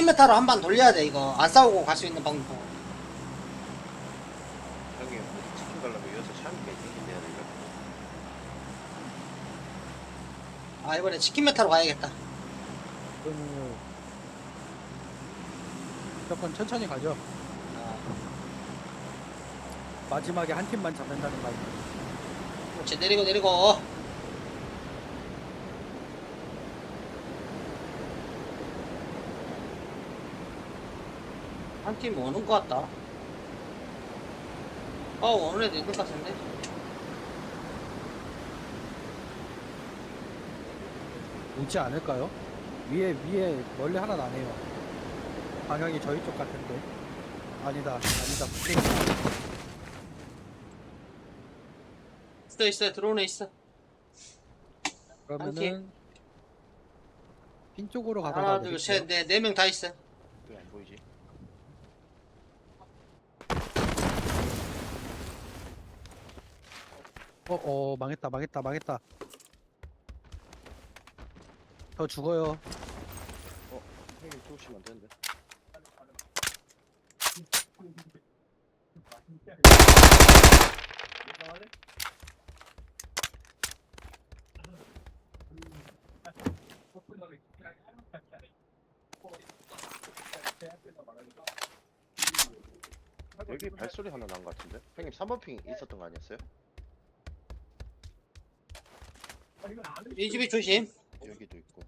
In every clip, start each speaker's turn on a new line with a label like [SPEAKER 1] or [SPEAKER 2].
[SPEAKER 1] 메타로 한 번 돌려야 돼. 이거 안 싸우고 갈 수 있는 방법.
[SPEAKER 2] 형님 어디 치킨 가려면 여기서 샤미가 이긴데요 이거.
[SPEAKER 1] 아 이번에 치킨 메타로 가야겠다.
[SPEAKER 3] 그러면 무조건 천천히 가죠. 마지막에 한 팀만 잡는다는 거 아니에요?
[SPEAKER 1] 그렇지, 내리고. 한 팀 오는 것 같다. 오는 애도 있는 것 같은데.
[SPEAKER 3] 오지 않을까요? 위에 멀리 하나 나네요. 방향이 저희 쪽 같은데. 아니다. 북쪽이다.
[SPEAKER 1] 있어, 들어오네 있어.
[SPEAKER 3] 그러면은 핀 쪽으로 가다가
[SPEAKER 1] 하나, 둘, 셋, 넷, 4명 다 있어.
[SPEAKER 2] 왜 안 보이지?
[SPEAKER 3] 망했다. 저 죽어요.
[SPEAKER 2] 형님 죽으시면 안 되는데. 여기 발소리 하나 난 것 같은데? 형님 3번 핑 있었던 거 아니었어요?
[SPEAKER 1] 이 집이 조심.
[SPEAKER 2] 여기도 있고.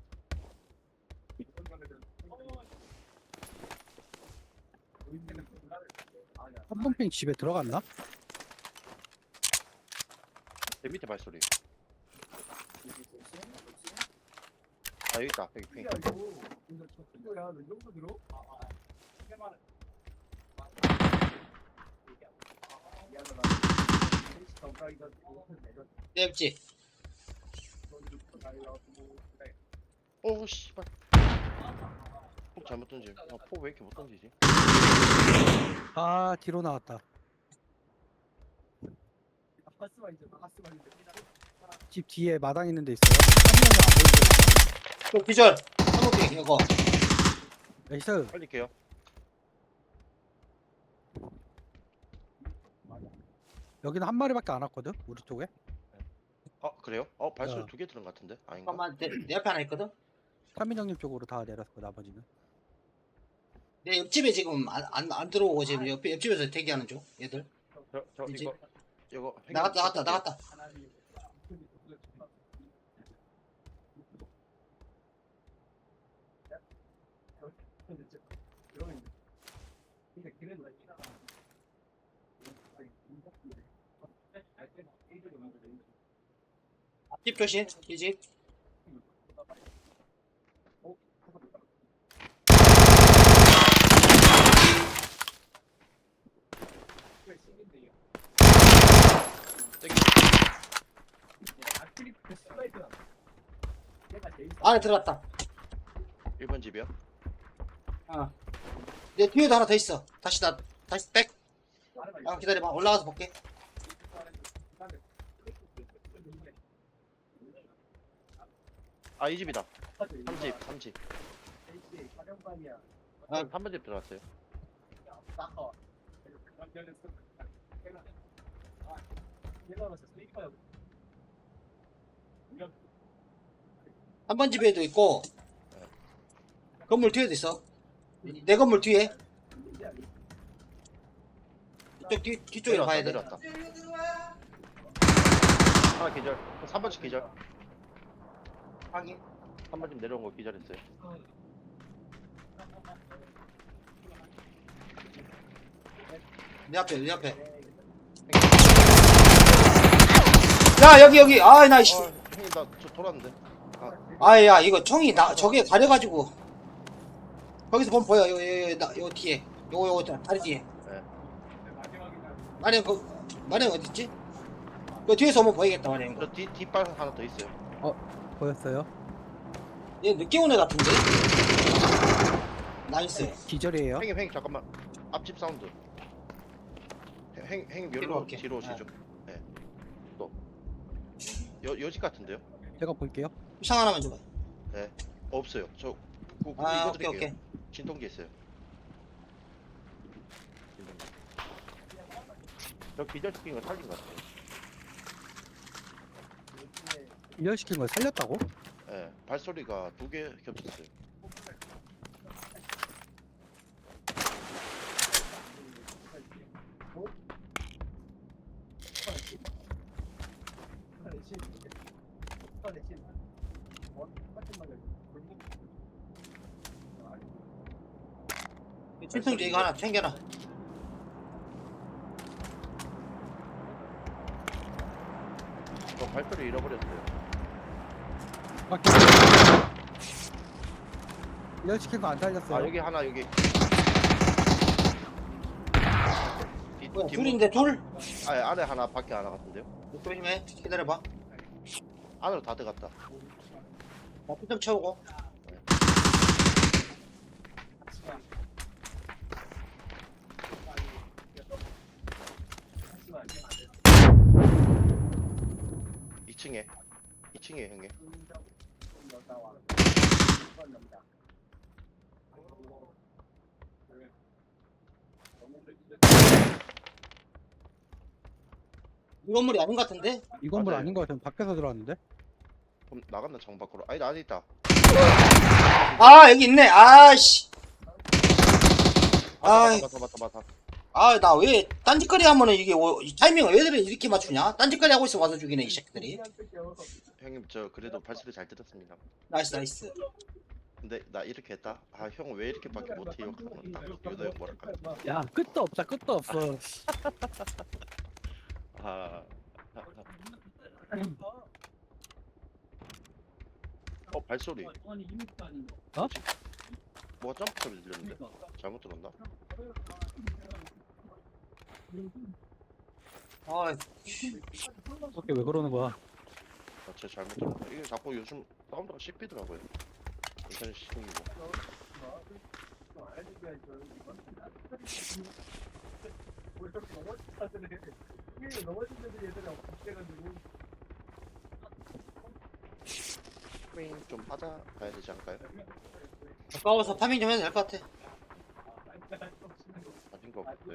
[SPEAKER 3] 한번핑 집에 들어갔나?
[SPEAKER 2] 내 밑에 발소리. 아 여기 있다. 여기 핑.
[SPEAKER 1] 냅지.
[SPEAKER 2] 오 씨발. 폭 잘못 던짐. 폭 왜 이렇게 못 던지지?
[SPEAKER 3] 아, 뒤로 나왔다. 집 뒤에 마당 있는 데 있어요. 한 명은 안 보이죠?
[SPEAKER 1] 또 기절. 한국비 이거.
[SPEAKER 3] 나이스.
[SPEAKER 2] 빨리게요.
[SPEAKER 3] 여기는 한 마리밖에 안 왔거든? 우리 쪽에.
[SPEAKER 2] 그래요? 발소리
[SPEAKER 3] 어.
[SPEAKER 2] 2개 들은 것 같은데? 아닌가?
[SPEAKER 1] 잠깐만, 내 앞에 하나 있거든.
[SPEAKER 3] 타민형님 쪽으로 다 내렸고 나머지는.
[SPEAKER 1] 내 옆집에 지금 안 들어오고 지금 옆집에서 대기하는 중. 얘들.
[SPEAKER 2] 저
[SPEAKER 1] 이제?
[SPEAKER 2] 이거 형님
[SPEAKER 1] 나갔다. 집 조심. 이 집. 안에 들어갔다.
[SPEAKER 2] 1번 집이요?
[SPEAKER 1] 내 뒤에도 하나 더 있어. 다시 백. 기다려봐. 올라가서 볼게.
[SPEAKER 2] 이 집이다. 3집. 3번 집 들어갔어요.
[SPEAKER 1] 한 번 집에도 있고 건물 뒤에도 있어. 내 건물 뒤에. 이쪽 뒤쪽으로 가야 돼.
[SPEAKER 2] 내려왔다. 하나 기절. 3번 집 기절.
[SPEAKER 1] 확인.
[SPEAKER 2] 3번 집 내려온 거 기절했어요.
[SPEAKER 1] 내 앞에. 야 여기. 나 씨.
[SPEAKER 2] 형님 나 저 돌았는데.
[SPEAKER 1] 아야 이거 총이 저게 가려가지고 거기서 보면 보여. 요 뒤에. 요거 다리 뒤에.
[SPEAKER 2] 네.
[SPEAKER 1] 마령 어딨지? 그 뒤에서 보면 보이겠다 마령.
[SPEAKER 2] 저 뒷발 하나 더 있어요.
[SPEAKER 3] 보였어요?
[SPEAKER 1] 얘 늦게 온 애 같은데? 나이스.
[SPEAKER 3] 기절이에요.
[SPEAKER 2] 형님 잠깐만. 앞집 사운드. 형님
[SPEAKER 1] 뒤로
[SPEAKER 2] 여기로
[SPEAKER 1] 올게.
[SPEAKER 2] 뒤로 오시죠. 네. 또. 여집 같은데요?
[SPEAKER 3] 제가 볼게요.
[SPEAKER 1] 상 하나만 줘봐.
[SPEAKER 2] 네. 없어요. 저
[SPEAKER 1] 아,
[SPEAKER 2] 이거
[SPEAKER 1] 오케이,
[SPEAKER 2] 드릴게요.
[SPEAKER 1] 오케이.
[SPEAKER 2] 진통제 있어요. 진통제. 저 기절시킨 거 살린 것 같아요.
[SPEAKER 3] 이열시킨 걸 살렸다고?
[SPEAKER 2] 예, 발소리가 2개 겹쳤어요.
[SPEAKER 1] 진통제 이거 하나 챙겨놔.
[SPEAKER 2] 저 발소리 잃어버렸어요.
[SPEAKER 3] 막 이열시킨 거 안 살렸어요.
[SPEAKER 2] 아, 여기 하나, 여기.
[SPEAKER 1] 뭐야,
[SPEAKER 2] 뒷문-
[SPEAKER 1] 둘인데, 둘?
[SPEAKER 2] 아, 예, 안에 하나, 밖에 하나 같은데요?
[SPEAKER 1] 조심해. 기다려봐.
[SPEAKER 2] 안으로 다 들어갔다.
[SPEAKER 1] 나 피좀 채우고.
[SPEAKER 2] 이층에 2층에 형님.
[SPEAKER 1] 이 건물이 아닌 것 같은데?
[SPEAKER 3] 이 건물
[SPEAKER 2] 맞아요.
[SPEAKER 3] 아닌 거 같으면 밖에서 들어왔는데?
[SPEAKER 2] 그럼 나갔나 정 밖으로? 아니, 안에 있다.
[SPEAKER 1] 아, 여기 있네. 아씨. 아,
[SPEAKER 2] 맞다.
[SPEAKER 1] 아, 나 왜 딴짓거리 하면은 이게 이 타이밍을 왜 이렇게 맞추냐? 딴짓거리 하고 있어 와서 죽이네 이 새끼들이.
[SPEAKER 2] 형님, 저 그래도 발소리 잘 들었습니다.
[SPEAKER 1] 나이스, 나이스.
[SPEAKER 2] 근데 나 이렇게 했다. 아, 형 왜 이렇게밖에 못해요? 그러면 딱 유도 형 뭐랄까.
[SPEAKER 3] 야 끝도 없다 끝도 없어.
[SPEAKER 2] 아, 발소리.
[SPEAKER 3] 어?
[SPEAKER 2] 뭐가 점프 소리 들렸는데? 잘못 들었나?
[SPEAKER 1] 아,
[SPEAKER 3] 그렇게 왜 그러는 거야?
[SPEAKER 2] 아, 제가 잘못 들었나? 이게 자꾸 요즘 사운드가 씹히더라고요. 인터넷 시동이고. 스크린 좀 하자 가야 되지 않을까요?
[SPEAKER 1] 가까워서 파밍 좀 해도 될 것 같아.
[SPEAKER 2] 아닌 것 같아요.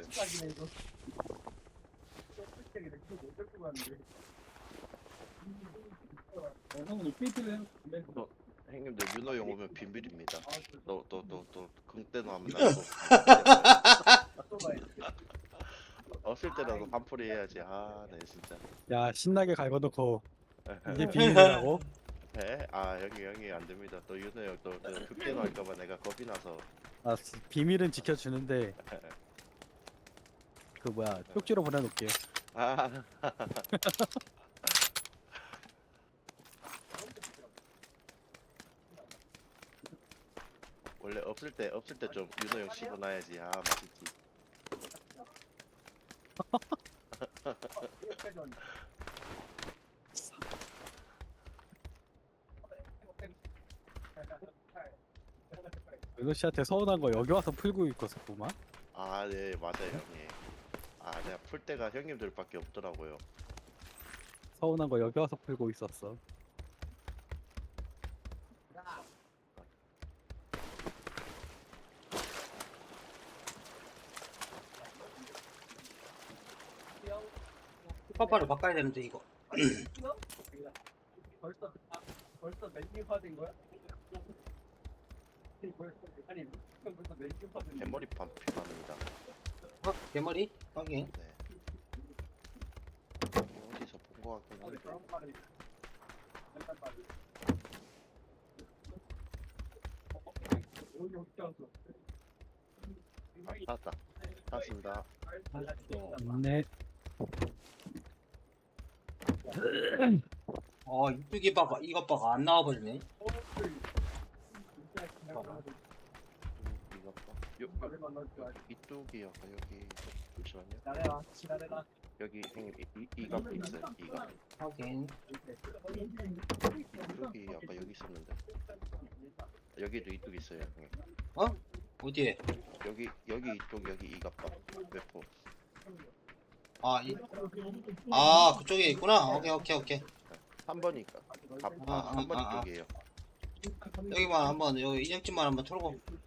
[SPEAKER 2] 형님들 윤호 형 오면 비밀입니다. 너 긍대노 하면 나도 없을 때라도 반풀이 해야지. 아, 네 진짜.
[SPEAKER 3] 야 신나게 갈궈놓고 이게 비밀이라고?
[SPEAKER 2] 네? 아, 여기 안 됩니다. 또 윤호 형또 극대노 할까봐 내가 겁이 나서.
[SPEAKER 3] 아 비밀은 지켜주는데 그 뭐야 쪽지로 보내놓을게.
[SPEAKER 2] 아, 원래 없을 때 좀 윤호 형 씹어놔야지. 아, 맛있지.
[SPEAKER 3] 은호 씨한테 서운한 거 여기 와서 풀고 있었구만.
[SPEAKER 2] 아, 네 맞아요 형님. 아, 내가 풀 때가 형님들밖에 없더라고요.
[SPEAKER 3] 서운한 거 여기 와서 풀고 있었어.
[SPEAKER 1] 파파를 바꿔야 되는데 이거.
[SPEAKER 4] 벌써 메뉴화된 거야?
[SPEAKER 2] 대머리판 필요합니다.
[SPEAKER 1] 어? 대머리? 확인.
[SPEAKER 2] 네. 어디서 본 거 같긴 한데. 나왔다. 나왔습니다.
[SPEAKER 3] 네.
[SPEAKER 1] 이쪽에 봐봐. 이것 봐가 안 나와버리네.
[SPEAKER 2] 이거 봐. 이쪽이 약간 여기 잠시만요. 여기 형님 이가 있어요. 이가
[SPEAKER 1] 확인.
[SPEAKER 2] 이쪽이 아까 여기 있었는데. 여기도 이쪽 있어요. 형님.
[SPEAKER 1] 어디에?
[SPEAKER 2] 여기 이쪽 여기 이갑바 외포.
[SPEAKER 1] 그쪽에 있구나. 오케이.
[SPEAKER 2] 3번이
[SPEAKER 1] 아,
[SPEAKER 2] 3번
[SPEAKER 1] 아.
[SPEAKER 2] 이쪽이에요.
[SPEAKER 1] 여기만 한번 여기 인형집만 한번 털고